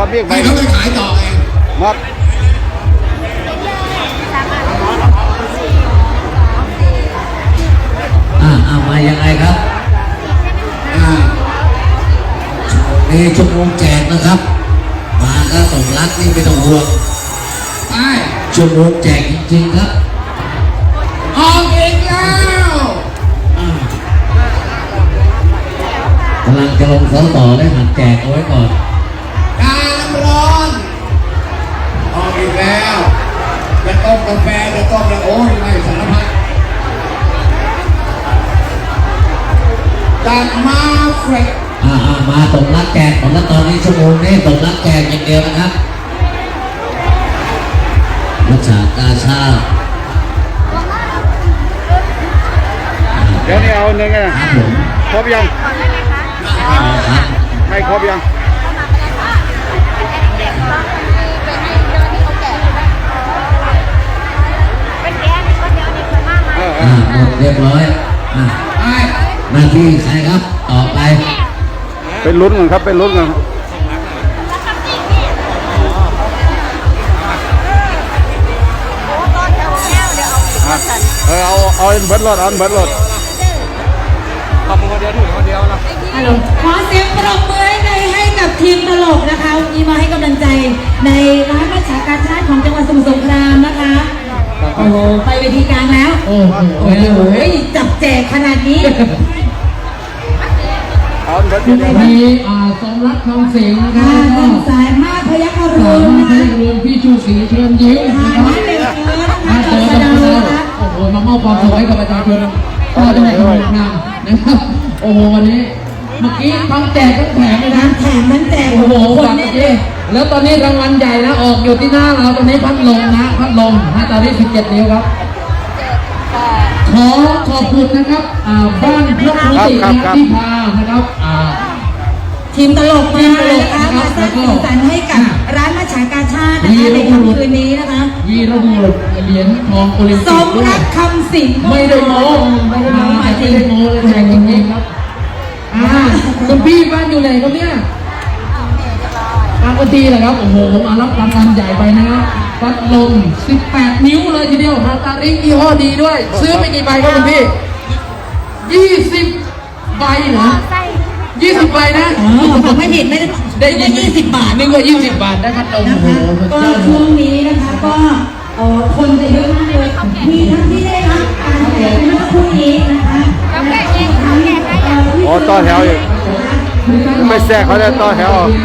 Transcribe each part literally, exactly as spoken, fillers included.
ครับเรียกไปให้เขาไปขายต่อเองครับอ่าเอามายังไงครับอ่านี่ชั่วโมงแจกนะครับมาก็ต้องรักนี่ไม่ต้องห่วงไปชั่วโมงแจกจริงๆครับออกอีกแล้วกำลังจะลงเสาต่อได้หัดแจกเอาไว้ก่อนการน้ำร้อนออกอีกแล้วจะต้มกาแฟจะต้มแล้วโอ้ยไม่สารพัดจากมาเฟรดอ่าอ่ามาตรงรักแจกของแล้วตอนนี้ชั่วโมงนี้ตรงรักแจกอย่างเดียวนะครับรักษากาชาติเดี๋ยวนี้เอาหนึ่งไงครับผมครบยังครับให้ครบยังเออเออ่าอหมดเรียบร้อยอ่าไปหน้าที่ใครครับต่อไปเป็นลุ้นกันครับเป็นลุ้นกันอ่ะเออเอาเอาเบิร์ดรถเอาเบิร์ดรถทำคนเดียวถือคนเดียวนะฮัลโหลขอเสียงปรบมือให้ในให้กับทีมตลกนะคะวันนี้มาให้กำลังใจในร้านประชาการชาติของจังหวัดสมุทรสงครามนะคะโอ้โหไปเวทีกลางแล้วโอ้โหโอ้โหจับแจกขนาดนี้เอาเบิร์ดรถมีอ่าสมรักทองเสียงนะครัค่ะบท่านสายมาพยัคฆสารุณมนะให้คะรวมพี่ชูศรีเชิญยิ้มทานะนครับให้เป็นเอิร์ธนะมาคะเจอสกันดาแล้วนะคะโอ้โหมามอบความสุขให้กับประชาชนก็ได้ในโรงงานนะครับโอ้โหวันนี้เมื่อกี้ทั้งแจกทั้งแถมเลยนะแถมนั้นแจกโอ้โหคนฝากเนี่เมื่อกี้ยแล้วตอนนี้รางวัลใหญ่นะออกอยู่ที่หน้าเราตอนนี้พัดลมนะพัดลมนะตอนนี้สิบเจ็ดนิ้วครับขอขอบคุณนะครับอ่าบ้านพระครูตินะครับที่พานะครับอ่าทีมตลกมานะคะมาสร้างสีสันให้กับร้านประชาการชาตินะคะในค่ำคืนนี้นะคะวีรบุรุษเหรียญทองโอลิมสปิกมด้วยรักคำสิงไม่ได้โม้ไม่ได้โม้มาจริไม่งได้โม้เลยแจกจริงๆครับอ่าคุณพี่บ้านอยู่ไหนครับเนี่ยบางกะทีเหรอครับโอ้โหมารับรางวัลใหญ่ไปนะครับพัดลมสิบแปดนิ้วเลยทีเดียวฮาตาริยี่ห้อดีด้วย ซื้อไปกี่ใบครับคุณพี่ยี่สิบใบเหรอยี่สิบใบนะอ๋อผมไม่ผิดไม่ได้ได้ได้ยี่สิบบาทนึกว่ายี่สิบบาทได้พัดลมนะโอ้โหคะสุดก็ยอดช่วงนี้นะคะก็เอ่อคนจะเยอะมากเลยมีทั้งที่ได้รับการแจกเมื่อสักครู่นี้นะคะทั้งเอ่อที่อ๋อต่อแถวอีกไม่แทรกเขาได้ต่อแถวเอา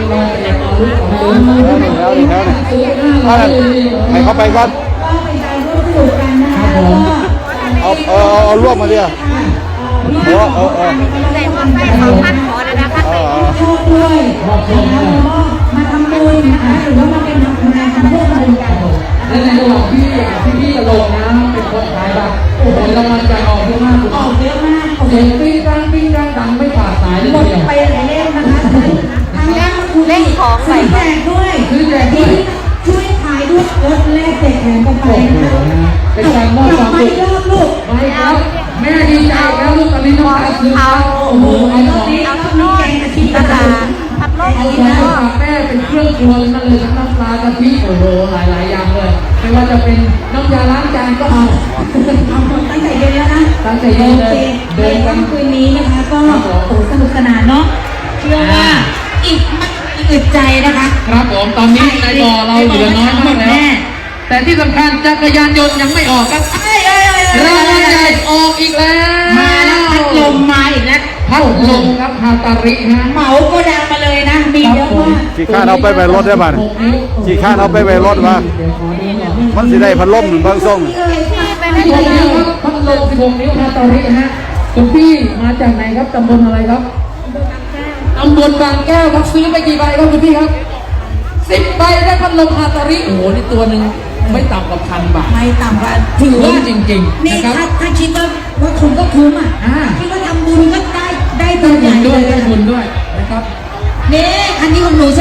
แถวนี่แถวนี่แถวนี่เอานั่นให้เขาไปก่อนก็เป็นการร่วมสนุกกันนะคะแล้วก็เอาเอาเอาเอารวบมาดิเอาเอาเอาเอาใส่หมวกใส่ของพันขอแล้วนะคะใส่โชคด้วยนะคะแล้วก็มาทำบุญนะคะหรือว่ามาเป็นทำงานทำเพื่อบุญกันและในระหว่างที่พี่พี่ๆลงนะเป็นคนขายบัตรโอ้โหรางวัลใหญ่ออกเยอะมากออกเยอะมากโอ้โหเสียงปิ้งดังปิ้งดังดังไม่ขาดสายเลยหมดทีเดียวไปหลายเล่มนะคะทางด้านคุณเล่นของใส่แจกด้วยซื้อแจกด้วยช่วยขายด้วยลดแลกแจกแถมกันไปโอ้โหนะคะเป็นการมอบความไม่สุขรอบลูกไม่ครับแม่ดีใจแล้วลูกตอนนี้น้องตาซื้อแล้วโอ้โหไอ้รขออบ งนี้ต้องมีแกงกะทิตลาดผัดโลกเอาอีของนะมาฝากแม่เป็นเครื่องครัวนั่นเลยทั้งน้ำปลากะทิโอ้โหหลายๆอย่างเลยไม่ว่าจะเป็นน้ำยาล้างจานก็เอาเอาหมดตั้งแต่เย็นแล้วนะตั้งแต่เย็นเลยโอคเดินกันในค่ำคืนนี้นะคะก็โอ้สนุกสนานเนาะเชื่อว่าอีกไม่อึดใจนะคะครับผมตอนนี้ในบ่อเราเหลือน้อยมากแล้ว แต่ที่สำคัญจักรยานยนต์ยังไม่ออกครับเอ้ยเอ้ยเอ้ยเอ้ยรางวัลใหญ่ออกอีกแล้วมาแล้วพัดลมมาอีกแล้วพัดลมครับฮาตาริฮะเหมาโกดังมาเลยนะ มีเยอะมากขี่ข้านเอาไปไปรถได้บ้านขี่ข้านเอาไปไปรถมามันสิได้พัดลมหนึ่งบางส่งเอ้ยไปไม่สิบหได้กนิ้วครับพัดลมสิบหกนิ้วฮาตาริฮะคุณพี่มาจากไหนครับตำบลอะไรครับตำบลบางแก้วครับซื้อไปกี่ใบครับคุณพี่ครับสิบใบได้พัดลมฮาตาริโอ้โหนี่ตัวหนึ่งไม่ต่ำกว่าพันบาทไม่ต่ำกว่าถือว่าคุ้มจริงๆนี่นะครับถ้าถ้าคิดว่าว่าคุณก็คุ้มอ่ะอ่าคิดว่าทำบุญก็ได้ได้ได้ตัวใหบุญ่ญด้วยเลได้ยบุญด้วยนะครับนี่คันนี้ของหนูใช่ไหมเอา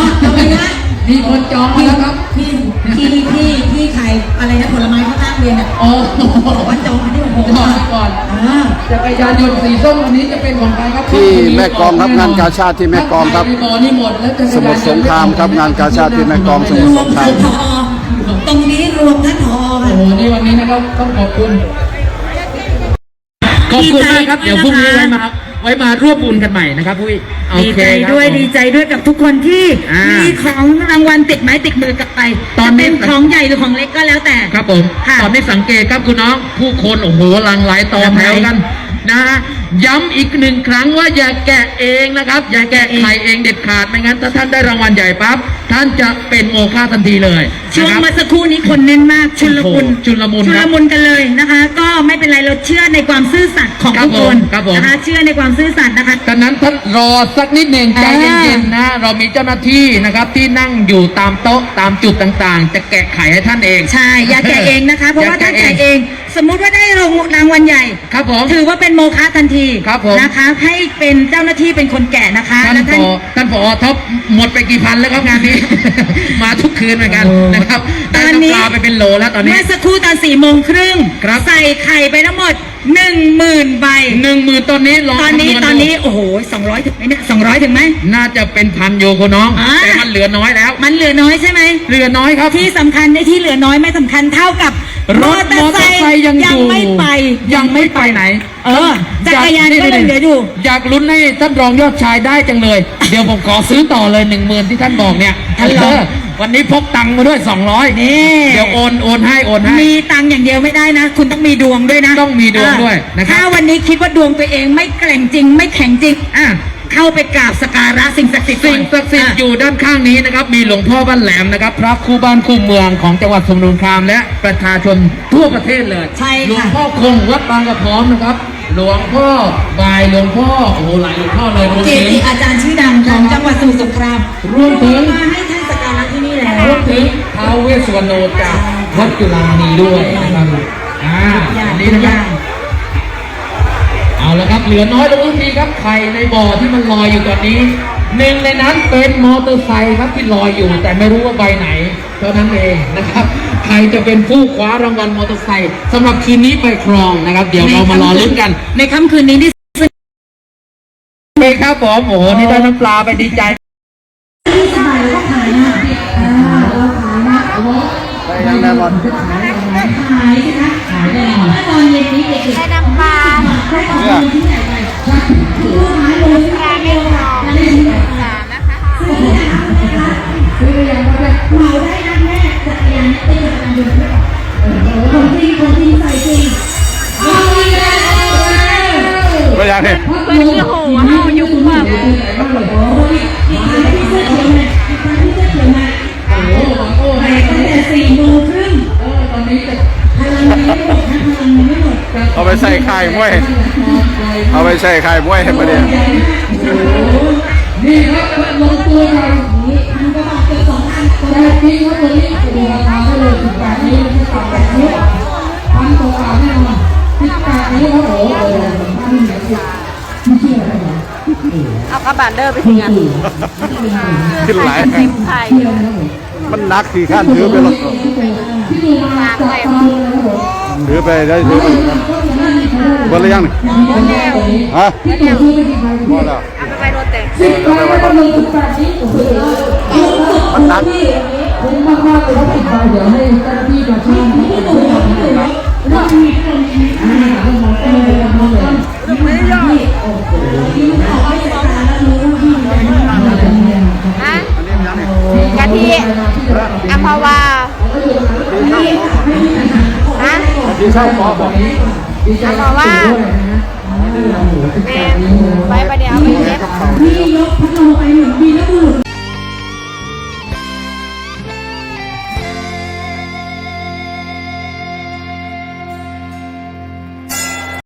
เอาไปนะมีคนจองมาแล้วครับพี่พี่พี่พี่ขายอะไรนะผลไม้ข้างๆเรียนอ่ะโอ้บอกว่าจองอันนี้ของผมจองไว้ก่อนอ่าจักรยานยนต์สีส้มวันนี้จะเป็นของใครครับที่แม่กลองครับงานกาชาดที่แม่กลองครับถ้าใครมีบ่อนี่หมดแล้วจักรยานยนต์สมุทรสงครามครับงานกาชาดที่แม่กลองสมุทรรสวมงคราถึมงพอตรงนี้รวมท่านพอโอ้ค่ะโหนี่วันนี้นะครับต้องขอบคุณ ขอบคุณมากครับ เดี๋ยวพรุ่งนี้ไว้มาไว้มาร่วมบุญกันใหม่นะครับพุ้ยโอดีเคใจครับด้วยผมดีใจด้วยกับทุกคนที่มีของรางวัลติดไม้ติดมือกลับไปตอนนี้จะเป็นของใหญ่หรือของเล็กก็แล้วแต่ครับผมค่ะตอนนี้สังเกตครับคุณน้อง ผู้คนโอ้โหหลังไหลต่อแถวกันนะฮะย้ำอีกหนึ่งครั้งว่าอย่าแกะเองนะครับ อย่าแกะไข่เองเด็ดขาดไม่งั้นถ้าท่านได้รางวัลใหญ่ปั๊บท่านจะเป็นโมฆะทันทีเลยช่วงนะครับเมื่อสักครู่นี้คนแน่นมากชุลมุนโอ้โหชุลมุนชุคลรับมุนกันเลยนะคะ ก็ไม่เป็นไรเราเชื่อในความซื่อสัตย์ของครับทุกคนผมครับผมนะคะเชื่อในความซื่อสัตย์นะคะดังนั้นท่านรอสักนิดหนึ่งใจอ่าเย็นๆนะเรามีเจ้าหน้าที่นะครับที่นั่งอยู่ตามโต๊ะตามจุดต่างๆ จะแกะไข่ให้ท่านเองใช่อย่าแกะเองนะคะ เพราะว่าถ้าแกะเอง สมมุติว่าได้รางวัลใหญ่ครับผมถือว่าเป็นโมฆะทันทีครับผมนะคะ ให้เป็นเจ้าหน้าที่เป็นคนแกะนะคะท่านและผอท่านผอท็อปหมดไปกี่พันแล้วครับงานนี้ มาทุกคืนเหมือนกันนะครับได้น้ำปลาไปเป็นโลแล้วตอนนี้เมื่อสักครู่ตอนสี่โมงครึ่งครับใส่ไข่ไปทั้งหมดหนึ่งหมื่นใบหนึ่งหมื่นตอนนี้ลองตอนนี้คำวณตอนนี้ดูโอ้โหสองร้อยถึงไหมเนี่ยสองร้อยถึงไหมน่าจะเป็นพันโยคุณน้องอ่าแต่มันเหลือน้อยแล้วมันเหลือน้อยใช่ไหมเหลือน้อยครับที่สำคัญในที่เหลือน้อยไม่สำคัญเท่ากับรถมอเตอร์ไซค์ยังอยู่ไม่ไปยังไม่ไปไหนเออจักรยานก็ยังเหลืออยู่อยากลุ้นให้ท่านรองยอดชายได้จังเลย เดี๋ยวผมขอซื้อต่อเลยหนึ่งหมื่นที่ท่านบอกเนี่ยท่านรองเออวันนี้พกตังค์มาด้วยสองร้อยนี่เดี๋ยวโอนโอนให้โอนให้มีตังค์อย่างเดียวไม่ได้นะ คุณต้องมีดวงด้วยนะต้องมีดวงด้วยนะครับถ้าวันนี้คิดว่าดวงตัวเองไม่แกร่งจริง ไม่แข็งจริงอ่ะเข้าไปกราบสกการะสิ่งศักดิ์สิทธิ์สิ่งศักดิ์สิทธิ์อยู่ด้านข้างนี้นะครับ มีหลวงพ่อบ้านแหลมนะครับ พระคู่บ้านคู่เมืองของจังหวัดสมุทรสงครามและประชาชนทั่วประเทศเลยใช่หลวงค่ะพ่อคงวัดบางกระพร้อมนะครับ หลวงพ่อบายหลวงพ่อโอ้โหหลายหลวงพ่อเลยรวมเกถึงจิอาจารย์ชื่อดังของจังหวัดสมุทรสงครามรวมถึงมาให้ท่านสักการะที่นี่แล้วรวมถึงท้าวเวสสวรรณโนจากวัดจุฬามณีด้วยนะครับอ่าอย่างอันทุนี้กนะอครัย่าบงเอาละครับเหลือน้อยลงทุกทีครับไข่ในบ่อที่มันลอยอยู่ตอนนี้หนึ่งในนั้นเป็นมอเตอร์ไซค์ครับที่ลอยอยู่ แต่ไม่รู้ว่าใบไหนเท่านั้นเองนะครับใครจะเป็นผู้คว้ารางวัลมอเตอร์ไซค์สำหรับคืนนี้ไปครองนะครับ เดี๋ยวเรามารอลุ้นกันในค่ำคืนนี้ที่เองครับผมโอ้โหนี่ได้น้ำปลาไปดีใจสบายก็ขายนะอ่าเราขายนะได้ยังแน่นอนขายสิคะขายแน่นอนตอนเย็นนี้เด็กๆได้น้ำปลาได้ของเงินที่ไหนไปซื้อขายเลยซื้อขายเลยค่ะนั่นเองสามนะคะซื้ออย่างนั้นนะคะซื้ออย่างนั้นแบบเหมาได้นะแม่จักรยานเต้นจักรยานยนต์ด้วยโอ้โหของจริงของจริงใส่จริงเอาอีกแล้วก็ยังเนี่ยเป็นที่หูเอายุ่งแบบโอ้โหอีกครั้งที่เสื้อเขียวมาอีกครั้งที่เสื้อเขียวมาโอ้โหโอ้โหตั้งแต่สี่โมงครึ่งเออตอนนี้จะพลังยังไม่หมดนะพลังยังไม่หมดเอาไปใส่ไข่มวย เอาไปใส่ไข่มวยให้ประเดี๋ยวนี่ครับมันลงตัวกันนี่มันก็บอกเกินสองพันคนแต่จริงครับวันนี้โอ้โหราคาได้เลยสิบแปดนิ้วที่ต่ำแบบนี้พันกว่าบาทแน่นอนสิบแปดนิ้วครับโอ้โหโอ้โหพันเหนือสิไม่เชื่อเลยเหรอเอากระบาดเดอร์ไปถึงอ่ะขึ้นหลายเต็มไข่มันนักขี่ข้านถือไปรถที่ดูมาจากตอนเลยครับผมถือไปได้ถือไปเบนหรือยังนี่ฮะที่ตัวซื้อไปกี่ใบพอแล้วเอาไปไปรถเต็มสิบใบก็ลงสิบแปดนิ้วโอ้โหมันนักคุ้มมากๆเลยครับสิบใบเดี๋ยวให้เจ้าหน้าที่มาช่วยนะครับว่ามีคนมีอ่าแล้วมองต้นเลยมองต้นไม่ยอมโอ้โหฮะกะทิอัมพวาฮะที่เช่าขอบอกอัมพวาแม่ไปไป